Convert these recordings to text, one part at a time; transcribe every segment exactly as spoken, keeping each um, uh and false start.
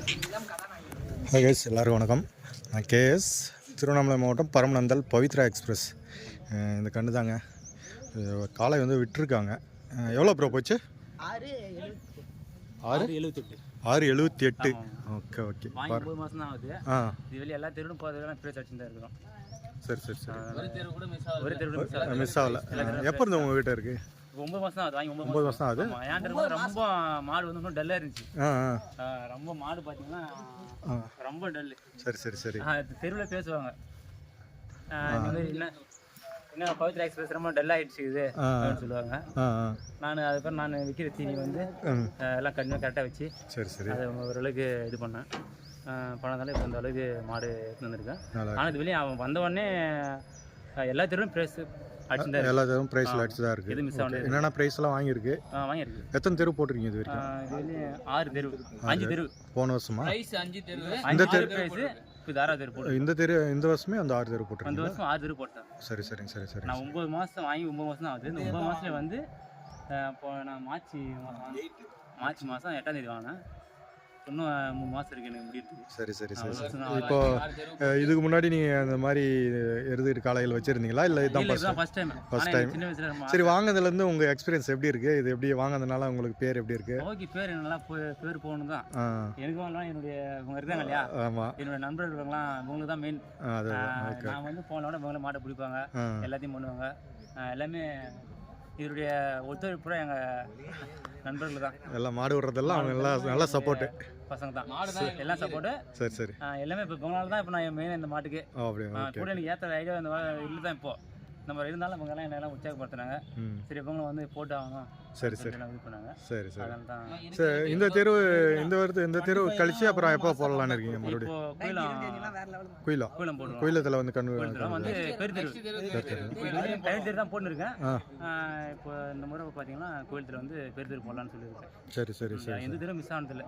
Hi guys, எல்லாருக்கும் வணக்கம். நான் கேஎஸ், திருவண்ணாமலை மாவட்டம் பரமநந்தல் பவித்ரா எக்ஸ்பிரஸ். இந்த கண்டு தாங்க காலை வந்து விட்டுருக்காங்க. எவ்வளோ ப்ரோ போச்சு? ஆறு ஆறு எழுபத்தெட்டு ஆறு எழுபத்தி எட்டு ஓகே ஓகே. ஒன்பது மாதம் தான் ஆகுது. ஆ இது வெளியே எல்லா தெருவும் போகிறதுலாம் ப்ரைஸ் அடிச்சு தான் இருக்கிறோம். சரி சரி சரி. ஒரு தெரு கூட மிஸ் ஆகல. ஒரு தெரு கூட மிஸ் ஆகல. மிஸ் ஆகல. எப்போ இருந்து உங்கள் வீட்டை இருக்குது? ஒன்பது மாதம் தான் ஆகுது. வாங்கி ஒன்பது ஒன்பது மாதம் ஆகுது. ஏன்ட்டு இருக்கும்போது ரொம்ப மாடு வந்து இன்னும் டல்லாக இருந்துச்சு. ஆ ஆ ரொம்ப மாடு பார்த்தீங்கன்னா ரொம்ப டல்லு. சரி சரி சரி. தெருவில் பேசுவாங்க என்ன என்ன பவித்ரா எக்ஸ்பிரஸ் ரொம்ப டல் ஆகிடுச்சு இது அப்படின்னு சொல்லுவாங்க. நான் அதுக்கப்புறம் நான் விற்கிற தீனி வந்து எல்லாம் கண்டிப்பாக கரெக்டாக வச்சு சரி சரி அதை ஓரளவுக்கு இது பண்ணேன். பணத்தால இப்போ அந்த அளவுக்கு மாடு எடுத்து வந்திருக்கேன். ஆனால் இது வெளியே அவன் வந்த உடனே எல்லா தெருவும் ப்ரைஸ் அடிச்சு எல்லா தெருவும் ப்ரைஸில் அடிச்சு தான் இருக்குது. இது மிஸ் ஆகுது. என்னென்ன ப்ரைஸ்லாம் வாங்கியிருக்கு? ஆ வாங்கியிருக்கு. எத்தனை தெரு போட்டிருக்கீங்க இது வரைக்கும்? இது வெளியே ஆறு தெரு அஞ்சு தெரு போன வருஷமா ப்ரைஸ் அஞ்சு தெரு இந்த தெரு ப்ரைஸ் இப்போ ஆறாவது தெரு போட்டு இந்த தெரு இந்த வருஷமே அந்த ஆறு தெரு போட்டு இந்த வருஷம் ஆறு தெரு போட்டேன். சரி சரிங்க சரி சரி. நான் ஒம்பது மாதம் வாங்கி ஒம்பது மாதம் தான் ஆகுது. இந்த ஒம்பது மாதத்துல வந்து இப்போ நான் மார்ச் மார்ச் மாதம் எட்டாம் தேதி வாங்கினேன். இன்னும் மூணு மாதம் இருக்குது எனக்கு முடியுது. சரி சரி சரி சரி. இப்போ இதுக்கு முன்னாடி நீங்கள் அந்த மாதிரி எருது காலையில் வச்சுருந்தீங்களா இல்லை இதுதான் ஃபஸ்ட் டைம்? First time. சரி, வாங்கினதுலேருந்து உங்கள் எக்ஸ்பீரியன்ஸ் எப்படி இருக்குது? இது எப்படி வாங்கினதுனால உங்களுக்கு பேர் எப்படி இருக்குது? ஓகே, பேர் நல்லா பேர் போகணும் தான். எனக்கு வாங்கலாம் என்னுடைய இவங்க இருக்காங்க இல்லையா? ஆமாம், என்னுடைய நண்பர்கள் இருக்காங்களாம், இவங்களுக்கு தான் மெயின். நான் வந்து போனோட இவங்கள மாட்டை பிடிப்பாங்க, எல்லாத்தையும் பண்ணுவாங்க. எல்லாமே இதனுடைய ஒத்துழைப்பு பூரா எங்கள் நண்பர்கள் தான். எல்லாம் மாடு விடுறதெல்லாம் அவங்க எல்லாம் நல்லா சப்போர்ட்டு பசங்க தான். எல்லாம் சப்போர்ட்டு. சரி சரி. எல்லாமே இப்போ இவங்களால தான் இப்போ நான் மெயின் இந்த மாட்டுக்கு கூட எனக்கு ஏற்ற ஐடியா இந்த இல்லை தான். இப்போ நம்ம இருந்தாலும் இவங்க எல்லாம் என்னெல்லாம் உற்சாகப்படுத்துனாங்க. சரி, இவங்களும் வந்து போட்டு ஆகணும். சரி சரி இது பண்ணாங்க. சரி சரி. அதனால தான் சரி. இந்த தெரு இந்த வருது இந்த தெரு கழிச்சு அப்புறம் எப்போ போடலான்னு இருக்கீங்க? மறுபடியும் குயிலம் குயிலம் போட்டு குயிலத்தில் வந்து கண்ணு வந்து பெரு தெரு பெரு தெரு தான் போட்டுருக்கேன். இப்போ இந்த முறை பார்த்தீங்கன்னா கோயிலத்தில் வந்து பெரு தெரு போடலான்னு சொல்லியிருக்கேன். சரி சரி சரி. எந்த தெரு மிஸ் ஆனதில்லை.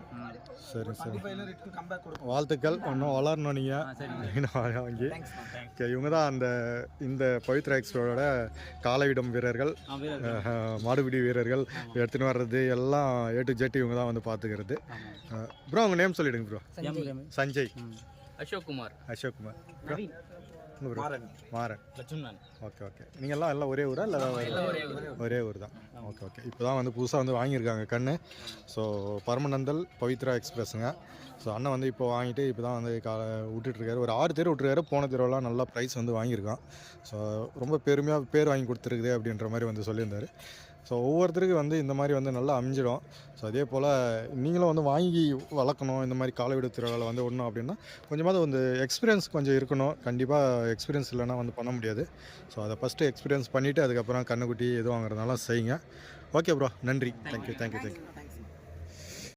சரி சரி. வாழ்த்துக்கள். ஒன்றும் வளரணும் நீங்கள் வாங்கி. இவங்க தான் அந்த இந்த பவித்ரா எக்ஸ்பிரஸோட காலையிடம் வீரர்கள், மாடுபிடி வீரர்கள் எடுத்துன்னு வர்றது எல்லாம் ஏ டு ஜெட் இவங்க தான் வந்து பார்த்துக்கிறது. ப்ரோ உங்கள் நேம் சொல்லிடுங்க bro. Sanjay, Ashok Kumar, Ashok Kumar, Maran, Maran, Lakshmanan. Okay okay. நீங்கள் எல்லாம் எல்லாம் ஒரே ஊரா இல்லை? ஒரே ஊர் தான். Okay okay. இப்போ தான் வந்து புதுசாக வந்து வாங்கியிருக்காங்க கண்ணு. ஸோ பரமநந்தல் பவித்ரா எக்ஸ்பிரஸுங்க. ஸோ அண்ணன் வந்து இப்போ வாங்கிட்டு இப்போ தான் வந்து கா விட்டுட்ருக்காரு. ஒரு ஆறு தெரு விட்டுருக்காரு. போன தெருவெல்லாம் நல்லா ப்ரைஸ் வந்து வாங்கியிருக்கான். ஸோ ரொம்ப பெருமையாக பேர் வாங்கி கொடுத்துருக்குது அப்படின்ற மாதிரி வந்து சொல்லியிருந்தார். ஸோ ஒவ்வொருத்தருக்கு வந்து இந்த மாதிரி வந்து நல்லா அமைஞ்சிடும். ஸோ அதே போல் நீங்களும் வந்து வாங்கி வளர்க்கணும். இந்த மாதிரி காலைவிடு திருவிழாவில் வந்து ஒன்றும் அப்படின்னா கொஞ்சமாவது வந்து எக்ஸ்பீரியன்ஸ் கொஞ்சம் இருக்கணும். கண்டிப்பாக எக்ஸ்பீரியன்ஸ் இல்லைன்னா வந்து பண்ண முடியாது. ஸோ அதை ஃபஸ்ட்டு எக்ஸ்பீரியன்ஸ் பண்ணிவிட்டு அதுக்கப்புறம் கண்ணுக்குட்டி எது வாங்குறதுனால செய்யுங்க. ஓகே ப்ரோ, நன்றி. Thank you thank you thank you.